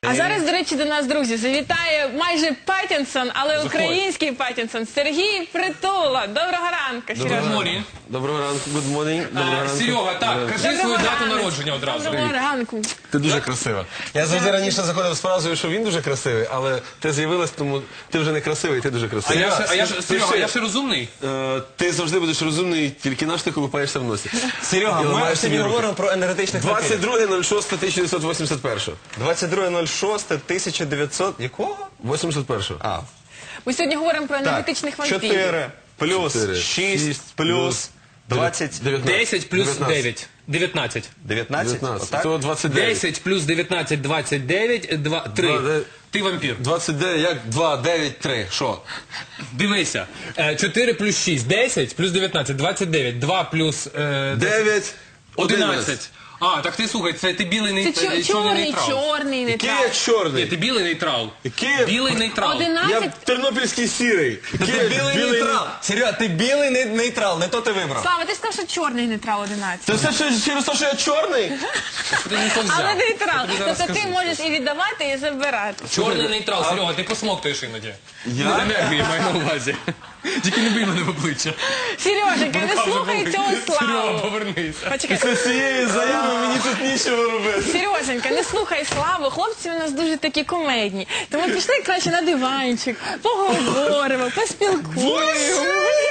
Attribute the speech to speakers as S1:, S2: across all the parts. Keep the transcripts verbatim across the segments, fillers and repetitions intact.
S1: А зараз, до речі, до нас, друзі, завітає майже Паттінсон, але український Паттінсон, Сергій Притула. Доброго ранку, Сережа.
S2: Доброго ранку, good morning. Доброго ранку.
S3: Серега, так, кажи свою дату народження одразу.
S1: Доброго ранку.
S2: Ти дуже красива. Я завжди раніше заходив з фразою, що він дуже красивий, але ти з'явилась, тому ти вже не красивий, ти дуже
S3: А
S2: красивий.
S3: я ще, а я ще, Серега,
S2: ще-
S3: я ще розумний?
S2: Е, Ти завжди будеш розумний, тільки наш ти колупаєшся в носі.
S4: Серега,
S2: І
S4: ми
S2: ламаєш
S4: сьогодні
S2: собі руки.
S4: говоримо про енергетичних вампірів.
S2: двадцять друге шосте тисяча дев'ятсот вісімдесят першого.
S4: двадцять друге шосте тисяча дев'ятсот... Якого?
S2: вісімдесят першого.
S4: А,
S1: Ми сьогодні говоримо про енергетичних вампірів.
S4: чотири плюс
S2: Чотири,
S4: шість
S2: шість
S4: плюс
S2: плюс
S4: двадцять...
S3: десять плюс
S2: дев'ятнадцять.
S3: дев'ять. дев'ятнадцять.
S4: дев'ятнадцять?
S2: дев'ятнадцять.
S4: Отак?
S2: То двадцять дев'ять.
S3: десять плюс дев'ятнадцять, двадцять дев'ять, два, три.
S2: Два, де-
S3: Ти вампір.
S2: двадцять дев'ять, як два, дев'ять, три. Що?
S3: Дивися. Е, чотири плюс шість, десять плюс дев'ятнадцять, двадцять дев'ять. два плюс е,
S2: дев'ять,
S3: одинадцять. А, так ти слухай, це ти білий
S1: Це
S3: нейтрал.
S1: чор- чорний, чорний
S2: Який
S1: нейтрал.
S2: я
S3: Ні,
S2: чорний?
S3: ти білий нейтрал.
S2: Який?
S3: Білий нейтрал.
S2: Я
S1: Одинадцять.
S2: тернопільський сірий.
S4: Ти білий нейтрал. Серега, ти білий не- нейтрал, не то ти вибрав.
S1: Слава, ти сказав, що чорний нейтрал одинадцять.
S2: Це все що- через те, що я чорний?
S3: Ти не то взяв.
S1: Але нейтрал.
S3: Я тобі зараз
S1: Тобто ти
S3: скажу.
S1: можеш і віддавати, і забирати.
S3: Чорний нейтрал, Серега, ти посмоктуєш іноді.
S2: Я?
S3: З енергії маю на увазі. Тільки не бий мене в обличчя.
S1: Сереженька, не слухай цього
S3: Серега,
S1: Славу.
S3: повернися.
S1: Почекай.
S2: Після цієї заяви мені тут нічого робити.
S1: Сереженька, не слухай Славу, хлопці у нас дуже такі комедні. Тому пішли краще на диванчик, поговоримо, поспілкуємо.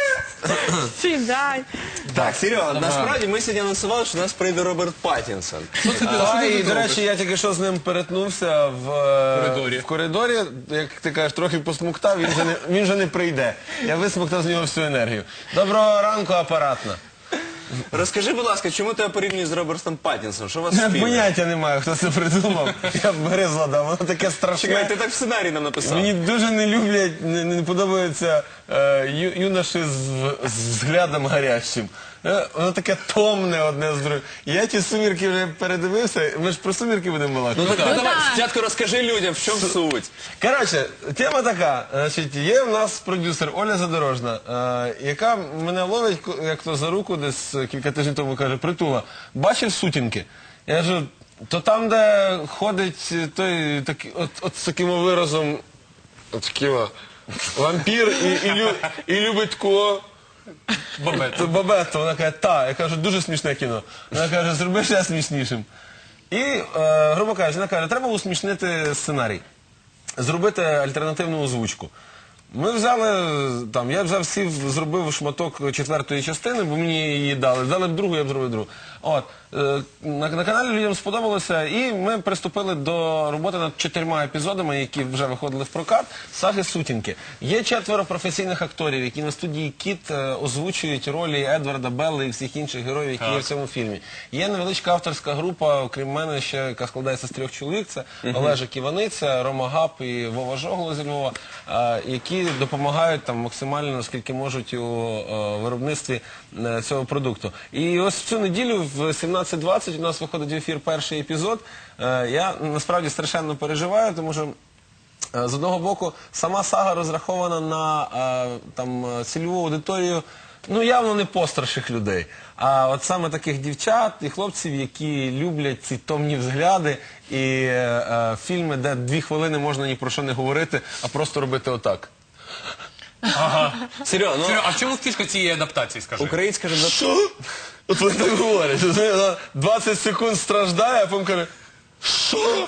S1: Сідай.
S4: Так, Серега, насправді ми сьогодні анонсували, що до нас прийде Роберт Паттінсон.
S2: А, і, до речі, я тільки що з ним перетнувся в е,
S3: коридорі.
S2: в коридорі, як ти кажеш, трохи посмоктав, він же не, він же не прийде. Я висмоктав з нього всю енергію. Доброго ранку, апаратна.
S4: Розкажи, будь ласка, чому тебе порівнюють з Робертом Паттінсоном? Що у вас
S2: Я
S4: спільне?
S2: поняття не маю, хто це придумав. Я б гризла дав, воно таке
S4: Чекай,
S2: страшне.
S4: ти так в сценарії нам написав.
S2: Мені дуже не люблять, не, не подобаються е, ю, юноші з, в- з взглядом гарячим. Е, воно таке томне одне з другим. Я ті сумірки вже передивився, ми ж про сумірки будемо балакати.
S4: Ну так, ну, давай,
S1: так.
S4: спочатку розкажи людям, в чому суть.
S2: Коротше, тема така. Значить, є в нас продюсер Оля Задорожна, е, яка мене ловить, ко- як то за руку, десь кілька тижнів тому каже: Притула, бачив сутінки? Я кажу, то там, де ходить той, такий, от, от з таким виразом, от таким, вампір і, і, лю, і любить кого? Бабетто. Бабетто. Вона каже, та. Я кажу, дуже смішне кіно. Вона каже, зроби ще смішнішим. І, е, грубо кажучи, вона каже, треба усмішнити сценарій. Зробити альтернативну озвучку. Ми взяли, там, я взяв сів, зробив шматок четвертої частини, бо мені її дали. Дали б другу, я б зробив другу. От, е, на, на каналі людям сподобалося, і ми приступили до роботи над чотирма епізодами, які вже виходили в прокат, саги «Сутінки». Є четверо професійних акторів, які на студії «Кіт» е, озвучують ролі Едварда, Белли і всіх інших героїв, які є в цьому фільмі. Є невеличка авторська група, окрім мене, ще, яка складається з трьох чоловік. Це Олежик Іваниця, Рома Гап і Вова Жогло зі Львова, е, які допомагають там максимально, наскільки можуть, у е, виробництві е, цього продукту. І ось в цю неділю в сімнадцять двадцять у нас виходить в ефір перший епізод. Е, я насправді страшенно переживаю, тому що е, з одного боку сама сага розрахована на е, там, е, цільову аудиторію, ну явно не постраших людей, а от саме таких дівчат і хлопців, які люблять ці томні взгляди і е, е, фільми, де дві хвилини можна ні про що не говорити, а просто робити отак.
S4: Серега, ну,
S3: Серега, а в чому фішка цієї адаптації, скажи?
S4: українська ж
S2: Що? От вони так говорять. Вона двадцять секунд страждає, а потім каже, що?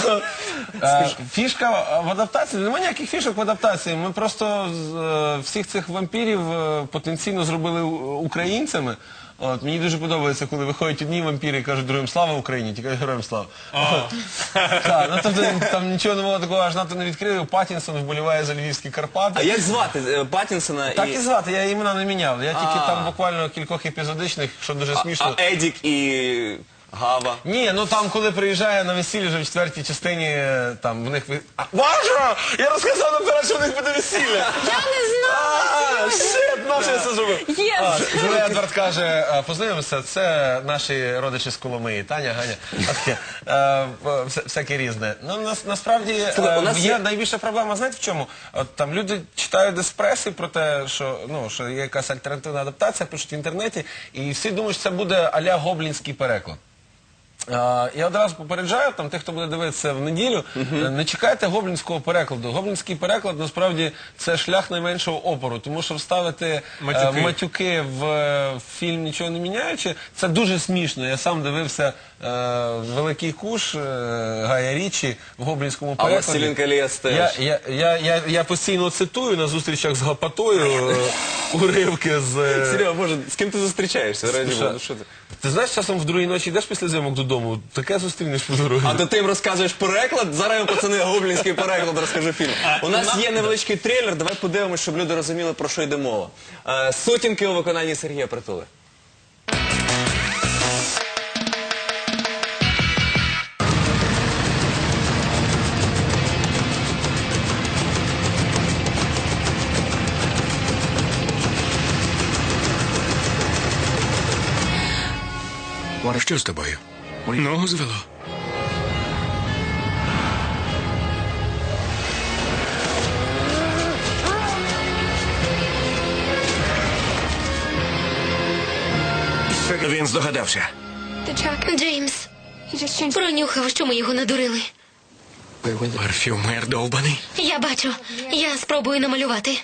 S2: Е, Фішка в адаптації, немає ніяких фішок в адаптації. Ми просто з, е, всіх цих вампірів е, потенційно зробили у- українцями. От, мені дуже подобається, коли виходять одні вампіри і кажуть другим «Слава Україні», тільки героям слава. Так, ну тобто там нічого не було такого, аж надто не відкрив. Паттінсон вболіває за львівські Карпати.
S4: А як звати е, Паттінсона
S2: Так
S4: і...
S2: і звати, я імена не міняв. Я тільки
S4: А.
S2: там буквально кількох епізодичних, що дуже смішно.
S4: А Едік і Гава?
S2: Ні, ну там, коли приїжджає на весілля вже в четвертій частині, е, там в них... ви- А, Боже! Я розказав наперед, що в них буде весілля!
S1: Я не знала.
S2: А, шит, наше я це зробив.
S1: Є.
S2: А, Коли Едвард каже, а, познайомимося, це наші родичі з Коломиї, Таня, Ганя, а таке, е, е, вся- всяке різне. Ну, нас, насправді, е,
S4: Слухай, у нас
S2: є
S4: є-
S2: найбільша проблема, знаєте в чому? От там люди читають десь преси про те, що, ну, що є якась альтернативна адаптація, пишуть в інтернеті, і всі думають, що це буде а-ля гоблінський переклад. Е, Я одразу попереджаю там тих, хто буде дивитися в неділю, е, не чекайте гоблінського перекладу. Гоблінський переклад насправді це шлях найменшого опору, тому що вставити е,
S3: Матюки.
S2: матюки в е, фільм нічого не міняючи, це дуже смішно. Я сам дивився е, Великий Куш е, Гая Річі в гоблінському
S4: А
S2: перекладі.
S4: «Властелін колец» теж.
S2: Я, я, я, я, я постійно цитую на зустрічах з Гапатою е, уривки з... е,
S4: Серега, боже, з ким ти зустрічаєшся? Раді
S2: Слушай,
S4: Бога, ну що ти?
S2: Ти знаєш, часом в другій ночі йдеш після зйомок додому, таке зустрінеш по дорозі.
S4: А то ти їм розказуєш переклад, зараз я, пацани, гоблінський переклад розкажу фільм. У нас є невеличкий трейлер, давай подивимось, щоб люди розуміли, про що йде мова. Е, Сутінки у виконанні Сергія Притули.
S5: Що з тобою? Ногу звело? Він здогадався.
S6: Джеймс пронюхав, що ми його надурили.
S5: Парфюмер довбаний.
S6: Я бачу. Я спробую намалювати.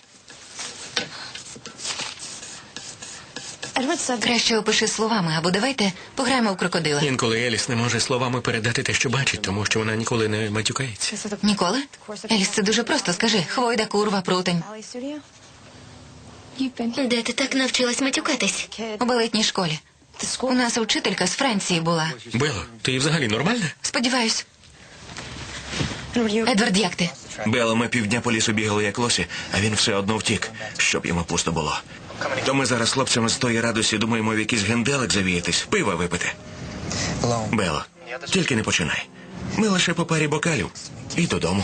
S7: Краще опиши словами, або давайте пограємо в крокодила.
S5: Інколи Еліс не може словами передати те, що бачить, тому що вона ніколи не матюкається.
S7: Ніколи? Еліс, це дуже просто. Скажи, хвойда, курва, прутень.
S6: Де ти так навчилась матюкатись?
S7: У балетній школі. У нас вчителька з Франції була.
S5: Бело, ти взагалі нормальна?
S7: Сподіваюсь. Едвард, як ти?
S8: Бело, ми півдня по лісу бігали як лосі, а він все одно втік, щоб йому пусто було. То ми зараз з хлопцями з тої радості думаємо в якийсь генделик завіятись, пива випити. Бело, тільки не починай. Ми лише по парі бокалів. І додому.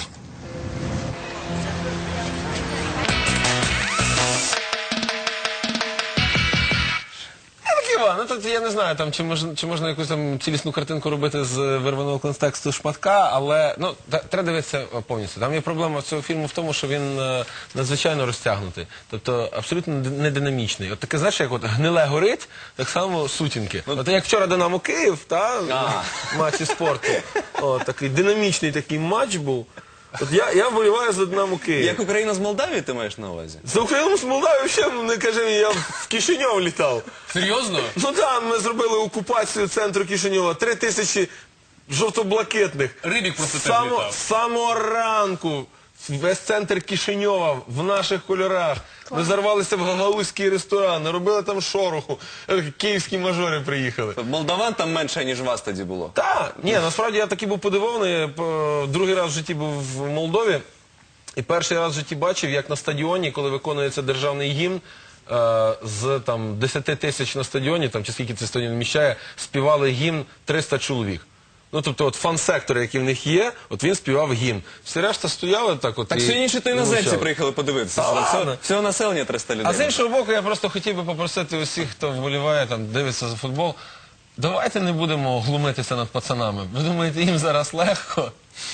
S2: Іван, ну тут я не знаю, там, чи, можна, чи можна якусь там цілісну картинку робити з вирваного контексту шматка, але ну, та- треба дивитися повністю. Там є проблема цього фільму в тому, що він е, надзвичайно розтягнутий, тобто абсолютно д- не динамічний. От таке, знаєш, як от гниле горить, так само сутінки. От як вчора Динамо Київ, та, матчі спорту, о, такий динамічний такий матч був. От я, я вболіваю за Динамо Київ.
S4: Як Україна з Молдавії, ти маєш на увазі?
S2: За Україну з Молдавії ще не кажи, я в Кишиньов літав.
S3: Серйозно?
S2: Ну так, ми зробили окупацію центру Кишиньова. Три тисячі жовто-блакитних.
S3: Рибік просто теж
S2: Само,
S3: літав.
S2: з самого ранку весь центр Кишиньова в наших кольорах. Ми зарвалися в гагаузький ресторан, наробили там шороху. Е, Київські мажори приїхали.
S4: Молдаван там менше, ніж вас тоді було.
S2: Так, ні, насправді я таки був подивований. По- Другий раз в житті був в Молдові. І перший раз в житті бачив, як на стадіоні, коли виконується державний гімн, е, з там десяти тисяч на стадіоні, там чи скільки цей стадіон вміщає, співали гімн триста чоловік. Ну, тобто, от фан-сектор, який в них є, от він співав гімн. Всі решта стояли так от.
S4: Так
S2: і-
S4: сьогодні то
S2: і
S4: іноземці
S2: мовчали.
S4: приїхали подивитися.
S2: Та
S4: Всього-
S2: ладно.
S4: Всього населення триста людей.
S2: А з іншого боку, я просто хотів би попросити усіх, хто вболіває, там, дивиться за футбол, давайте не будемо глумитися над пацанами. Ви думаєте, їм зараз легко?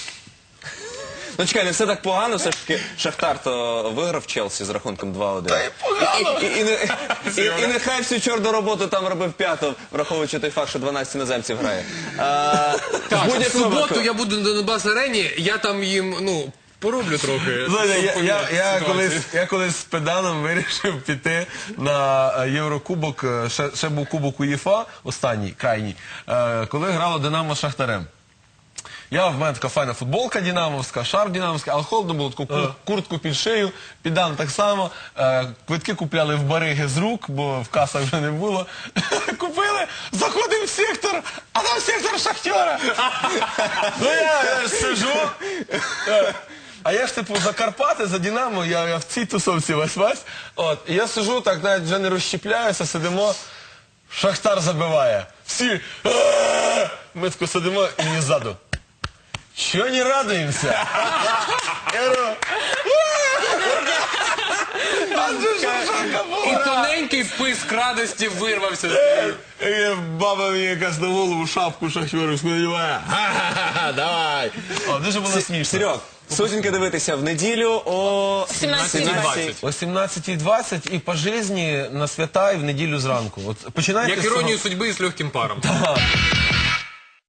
S4: Ну чекай, не все так погано, все ж таки Шахтар то виграв Челсі з рахунком два один.
S2: Та й погано!
S4: І, і, і, не- і, і нехай всю чорну роботу там робив п'яту, враховуючи той факт, що дванадцять іноземців грає. А,
S3: Так,
S4: в
S3: в
S4: будь-якому
S3: суботу
S4: випадку-
S3: я буду на Донбас-арені, я там їм, ну, пороблю трохи.
S2: Знаєте, я,
S3: щоб
S2: я,
S3: поміняти
S2: я,
S3: ситуацію.
S2: колись, я колись з педаном вирішив піти на е, Єврокубок, е, ще, ще був кубок УЄФА, останній, крайній, е, коли грало Динамо з Шахтарем. Я, в мене така файна футболка динамовська, шарф динамовський, але холодно було, таку кур- куртку під шию, підан так само. Е, квитки купляли в бариги з рук, бо в касах вже не було. Купили, заходимо в сектор, а там сектор Шахтера. Ну я, я ж сижу. е, А я ж типу за Карпати, за Динамо, я, я в цій тусовці весь-весь. От, і я сижу, так навіть вже не розщепляюся, сидимо. Шахтар забиває. Всі. «А-а-а!» Ми тако сидимо і мені ззаду. Чого не радуємося? Я говорю, «А це ж Шахтарка
S3: І
S2: була!»
S3: тоненький писк радості вирвався.
S2: І баба мені якась на голову шапку шахтерівську надіває. Ха-ха-ха, давай. О, дуже було смішно.
S4: Серьог, сутінки дивитися в неділю о
S1: сімнадцятій
S4: сімнадцятій.
S2: О сімнадцятій двадцять і по житті на свята і в неділю зранку. От починайте
S3: Як
S2: з цього.
S3: іронію судьби і з легким паром.
S2: Ага.